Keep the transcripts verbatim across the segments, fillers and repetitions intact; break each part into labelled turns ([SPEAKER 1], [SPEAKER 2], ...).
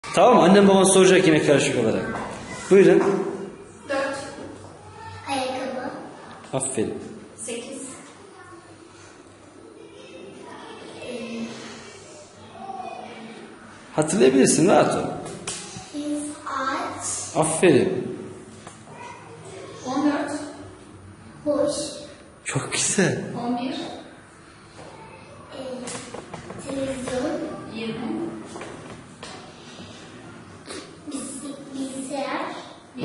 [SPEAKER 1] Tamam mı? Annem baban soracak yine karışık olarak. Buyurun.
[SPEAKER 2] Dört. Ayakkabı.
[SPEAKER 1] Aferin.
[SPEAKER 2] Sekiz.
[SPEAKER 1] Hatırlayabilirsin, rahat ol.
[SPEAKER 2] Biz ağaç.
[SPEAKER 1] Aferin.
[SPEAKER 2] On dört. Boş.
[SPEAKER 1] Çok güzel.
[SPEAKER 2] On bir. Televizyon. Yirmi. Bilgisayar. Bir.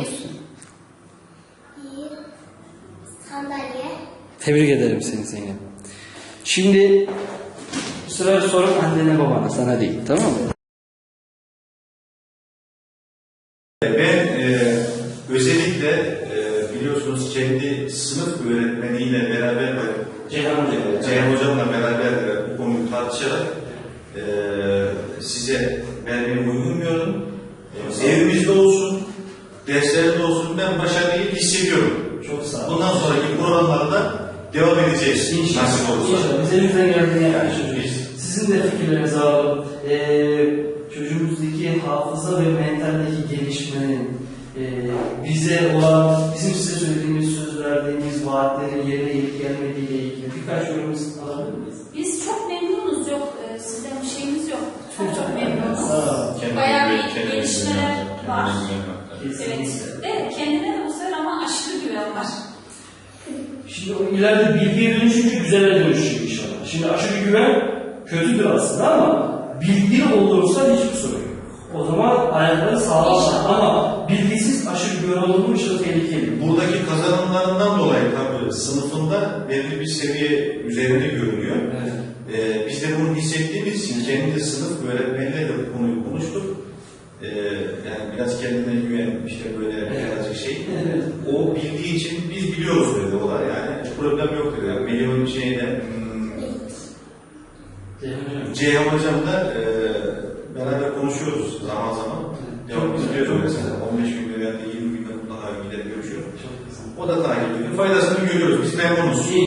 [SPEAKER 2] Bir. Sandalye.
[SPEAKER 1] Tebrik ederim seni Zeynep. Şimdi bu sefer sorum annene babana, sana değil, tamam mı?
[SPEAKER 3] Ben e, özellikle e, biliyorsunuz kendi sınıf öğretmeniyle beraber ve
[SPEAKER 1] Ceyhan Hocam.
[SPEAKER 3] Ceyhan Hocam'la beraber e, bu konuyu tartışarak e, size vermeyi uygun gördüm. E, evimizde olsun, derslerde olsun ben başarıyı hissediyorum.
[SPEAKER 1] Çok sağ ol.
[SPEAKER 3] Bundan sonraki programlarda devam edeceğiz.
[SPEAKER 1] İnşallah.
[SPEAKER 3] Nasip olursa.
[SPEAKER 1] İnşallah. Biz elimizden geldiğini yapmışız. Sizin de fikirlerinizi alalım. Ee, çocuğumuzdaki hafıza ve mentaldeki gelişmenin e, bize olan, bizim size söylediğimiz, söz verdiğimiz vaatlerin yerine gelip gelmediğiyle ilgili birkaç yorumumuz alabilir miyiz?
[SPEAKER 4] Biz çok memnunuz. Yok e, sizden bir şeyimiz yok. Çok çok memnunuz.
[SPEAKER 3] Kendine
[SPEAKER 4] Bayağı
[SPEAKER 3] güven,
[SPEAKER 4] bir
[SPEAKER 3] kendine
[SPEAKER 4] gelişmeler
[SPEAKER 3] güven,
[SPEAKER 4] var.
[SPEAKER 3] kendine güven.
[SPEAKER 4] Evet. De kendine de bu sefer ama aşırı güven var.
[SPEAKER 1] Şimdi o ileride bilgiye dönüşünce güzele dönüşecek inşallah. Şimdi aşırı güven kötüdür aslında ama bilgi olursa hiçbir sorun yok. O zaman ayakları sağlam ama bilgisiz aşırı güven olunmuş da tehlikeli.
[SPEAKER 3] Buradaki kazanımlarından dolayı tabii sınıfında belli bir seviye üzerinde görünüyor.
[SPEAKER 1] Evet.
[SPEAKER 3] Ee, biz de bunu hissettiğimiz için kendi sınıf öğretmeniyle de bu konuyu konuştuk. Ee, yani biraz kendine güven, işte böyle birazcık şey.
[SPEAKER 1] Evet.
[SPEAKER 3] O bildiği için biz biliyoruz dedi o da yani problem yok dedi. Yani Melih'in şeyde hmm, Ceyhan Hocam da e, beraber konuşuyoruz zaman zaman. Ya biz biliyoruz mesela on beş günde veya yirmi günde mutlaka gider görüşüyoruz. O da takip ediyor. Faydasını görüyoruz. Biz memnunuz.